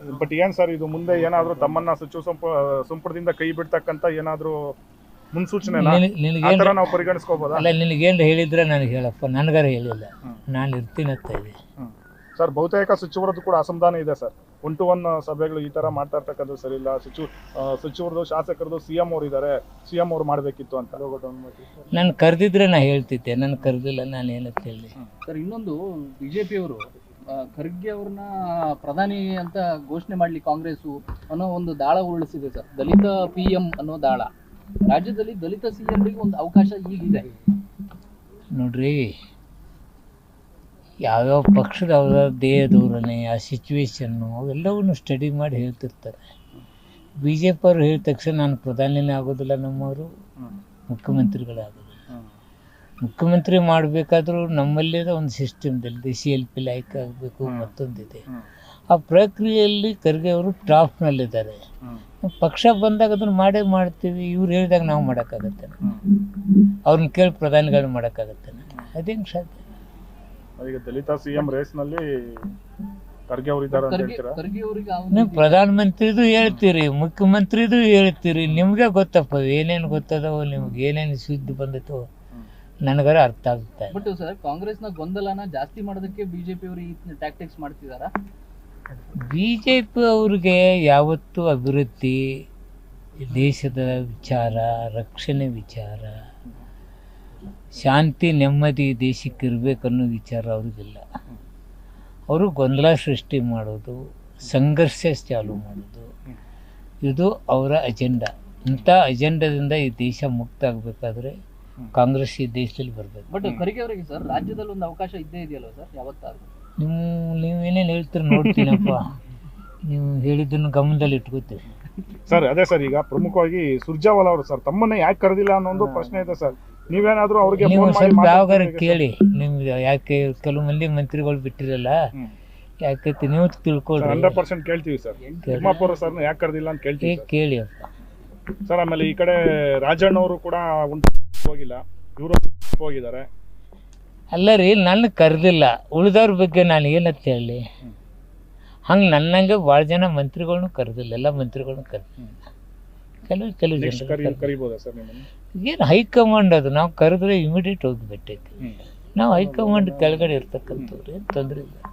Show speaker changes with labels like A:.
A: But ಏನ್ sir ಇದು ಮುಂದೆ ಏನಾದರೂ ತಮ್ಮನ್ನ ಸಚಿವ ಸಂಪುಟದಿಂದ ಕೈ ಬಿಡ್ತಕ್ಕಂಥ ಏನಾದರೂ ಮುನ್ಸೂಚನೆ ನಾವು ಪರಿಗಣಿಸ್ಕೋಬೋದಾ?
B: ಅಲ್ಲ, ನಿನಗೇನು ಹೇಳಿದ್ರೆ ನನಗೆ ಹೇಳಪ್ಪ, ನನಗಾರ ಹೇಳಿಲ್ಲ, ನಾನು ಇರ್ತೀನಂತ ಇದೆ.
A: ಸರ್ ಬಹುತೇಕ ಸಚಿವರದ್ದು ಕೂಡ ಅಸಮಾಧಾನ ಇದೆ ಸರ್. 1-to-1 ಸಭೆಗಳು ಈ ತರ ಮಾಡ್ತಾ ಇರ್ತಕ್ಕಂಥದ್ದು ಸರಿ ಇಲ್ಲ. ಸಚಿವರದು ಶಾಸಕರದು ಸಿಎಂ ಅವರು ಇದ್ದಾರೆ, ಸಿಎಂ ಅವರು ಮಾಡಬೇಕಿತ್ತು ಅಂತ.
B: ನಾನು ಕರೆದಿದ್ರೆ ನಾ ಹೇಳ್ತಿದ್ದೆ, ನಾನು ಕರೆದಿಲ್ಲ, ನಾನು ಏನಂತ ಹೇಳಿ.
C: ಸರ್, ಇನ್ನೊಂದು ಬಿಜೆಪಿಯವರು ಖರ್ಗೆ ಅವ್ರನ್ನ ಪ್ರಧಾನಿ ಅಂತ ಘೋಷಣೆ ಮಾಡಲಿ ಕಾಂಗ್ರೆಸ್ ಅನ್ನೋ ಒಂದು ದಾಳ ಉರುಳಿಸಿದೆ ಸರ್. ದಲಿತ PM ಅನ್ನೋ ದಾಳ. ರಾಜ್ಯದಲ್ಲಿ ದಲಿತ CMಗೆ ಒಂದು ಅವಕಾಶ ಈಗಿದೆ
B: ನೋಡ್ರಿ. ಯಾವ್ಯಾವ ಪಕ್ಷದ ಅವರ ದೇಹದವ್ರನ್ನೇ ಆ ಸಿಚುವೇಶನ್ನು ಅವೆಲ್ಲವನ್ನು ಸ್ಟಡಿ ಮಾಡಿ ಹೇಳ್ತಿರ್ತಾರೆ. BJP ಅವರು ಹೇಳಿದ ತಕ್ಷಣ ನಾನು ಪ್ರಧಾನಿನೇ ಆಗೋದಿಲ್ಲ, ನಮ್ಮವರು ಮುಖ್ಯಮಂತ್ರಿಗಳಾಗೋದಿಲ್ಲ. ಮುಖ್ಯಮಂತ್ರಿ ಮಾಡಬೇಕಾದ್ರೂ ನಮ್ಮಲ್ಲೇ ಒಂದು ಸಿಸ್ಟಮ್ದಲ್ಲಿ CLP ಲೈಕ್ ಆಗಬೇಕು, ಮತ್ತೊಂದಿದೆ. ಆ ಪ್ರಕ್ರಿಯೆಯಲ್ಲಿ ಖರ್ಗೆ ಅವರು ಟಾಪ್ನಲ್ಲಿದ್ದಾರೆ. ಪಕ್ಷ ಬಂದಾಗ ಅದನ್ನು ಮಾಡೇ ಮಾಡ್ತೀವಿ. ಇವ್ರು ಹೇಳಿದಾಗ ನಾವು ಮಾಡೋಕ್ಕಾಗತ್ತೆ? ಅವ್ರನ್ನ ಕೇಳಿ ಪ್ರಧಾನಿಗಳನ್ನ ಮಾಡೋಕ್ಕಾಗತ್ತೆ? ಅದೇನು ಸಾಧ್ಯ?
A: ಈಗ ದಲಿತ CM ರೇಸ್ನಲ್ಲಿ ಖರ್ಗೆ ಅವರು ಇದ್ದಾರೆ ಅಂತ ಹೇಳ್ತೀರಾ?
B: ನೀವು ಪ್ರಧಾನಮಂತ್ರಿದು ಹೇಳ್ತೀರಿ, ಮುಖ್ಯಮಂತ್ರಿದು ಹೇಳ್ತೀರಿ, ನಿಮಗೆ ಗೊತ್ತಪ್ಪ ಏನೇನು ಗೊತ್ತದವೋ, ನಿಮ್ಗೆ ಏನೇನು ಸುದ್ದಿ ಬಂದಿತ್ತು ನನಗಾರ ಅರ್ಥ ಆಗುತ್ತೆ.
C: ಬಟ್ ಸರ್, ಕಾಂಗ್ರೆಸ್ನ ಗೊಂದಲನ ಜಾಸ್ತಿ ಮಾಡೋದಕ್ಕೆ BJP ಅವರು ಈ ಟ್ಯಾಕ್ಟಿಕ್ಸ್ ಮಾಡ್ತಿದಾರಾ?
B: BJP ಅವ್ರಿಗೆ ಯಾವತ್ತೂ ಅಭಿವೃದ್ಧಿ, ದೇಶದ ವಿಚಾರ, ರಕ್ಷಣೆ ವಿಚಾರ, ಶಾಂತಿ ನೆಮ್ಮದಿ ದೇಶಕ್ಕೆ ಇರಬೇಕನ್ನೋ ವಿಚಾರ ಅವ್ರಿಗಿಲ್ಲ. ಅವರು ಗೊಂದಲ ಸೃಷ್ಟಿ ಮಾಡೋದು, ಸಂಘರ್ಷ ಚಾಲು ಮಾಡೋದು, ಇದು ಅವರ ಅಜೆಂಡಾ. ಇಂಥ ಅಜೆಂಡಾದಿಂದ ಈ ದೇಶ ಮುಕ್ತ ಆಗಬೇಕಾದ್ರೆ ಕಾಂಗ್ರೆಸ್ ಈ ದೇಶದಲ್ಲಿ ಬರಬೇಕು.
C: ಬಟ್ ಖರ್ಗೆ ಅವರಿಗೆ ಸರ್ ರಾಜ್ಯದಲ್ಲಿ ಒಂದು ಅವಕಾಶ ಇದ್ದೇ ಇದೆಯಲ್ಲ ಸರ್, ಯಾವತ್ತಾದ್ರೂ?
B: ನೀವೇನೇನು ಹೇಳ್ತೀರಿ ನೋಡ್ತೀನಪ್ಪ. ನೀವು ಹೇಳಿದ್ದನ್ನು ಗಮನದಲ್ಲಿ ಇಟ್ಕೋತೀರಿ
A: ಸರ್. ಅದೇ ಸರ್, ಈಗ ಪ್ರಮುಖವಾಗಿ ಸುರ್ಜೇವಾಲಾ ಅವರು ಸರ್ ತಮ್ಮನ್ನ ಯಾಕೆ ಕರೆದಿಲ್ಲ ಅನ್ನೋ ಒಂದು ಪ್ರಶ್ನೆ ಇದೆ ಸರ್. ನೀವೇನಾದ್ರೂ ಅವ್ರಿಗೆ
B: ನೀವು ಸ್ವಲ್ಪ ಯಾವಾಗಾರ ಕೇಳಿ. ನಿಮ್ಗೆ ಯಾಕೆ ಕೆಲವು ಮಂದಿ ಮಂತ್ರಿಗಳು ಬಿಟ್ಟಿರಲ್ಲ, ಯಾಕೈತಿ ನೀವು ತಿಳ್ಕೊಳ್ರಿ.
A: 100% ಕೇಳ್ತೀವಿ ಸರ್. ತಿಮ್ಮಾಪುರ ಸರ್ನ ಯಾಕೆ ಕರೆದಿಲ್ಲ ಅಂತ ಕೇಳ್ತೀವಿ.
B: ಕೇಳಿ ಅಪ್ಪ
A: ಸರ್. ಆಮೇಲೆ ಈ ಕಡೆ ರಾಜಣ್ಣ ಅವರು ಕೂಡ ಹೋಗಿಲ್ಲ, ಇವರು ಹೋಗಿದ್ದಾರೆ.
B: ಅಲ್ಲ ರೀ, ನನ್ನ ಕರೆದಿಲ್ಲ, ಉಳಿದವ್ರ ಬಗ್ಗೆ ನಾನು ಏನಂತ ಹೇಳಿ. ಹಂಗೆ ನನ್ನಂಗೆ ಭಾಳ ಜನ ಮಂತ್ರಿಗಳ್ನು ಕರೆದಿಲ್ಲ, ಎಲ್ಲ ಮಂತ್ರಿಗಳ್ನು ಕರೆದಿಲ್ಲ. ಕೆಲವು ಜನ
A: ಕರಿಬೋದಾ ಸರ್ ನಿಮ್ಮನ್ನು?
B: ಏನು ಹೈಕಮಾಂಡ್ ಅದು, ನಾವು ಕರೆದ್ರೆ ಇಮಿಡಿಯೇಟ್ ಹೋಗಿ ಬಿಟ್ಟೈತಿ. ನಾವು ಹೈಕಮಾಂಡ್ ಕೆಳಗಡೆ ಇರ್ತಕ್ಕಂಥವ್ರು, ಏನು ತೊಂದರೆ ಇಲ್ಲ.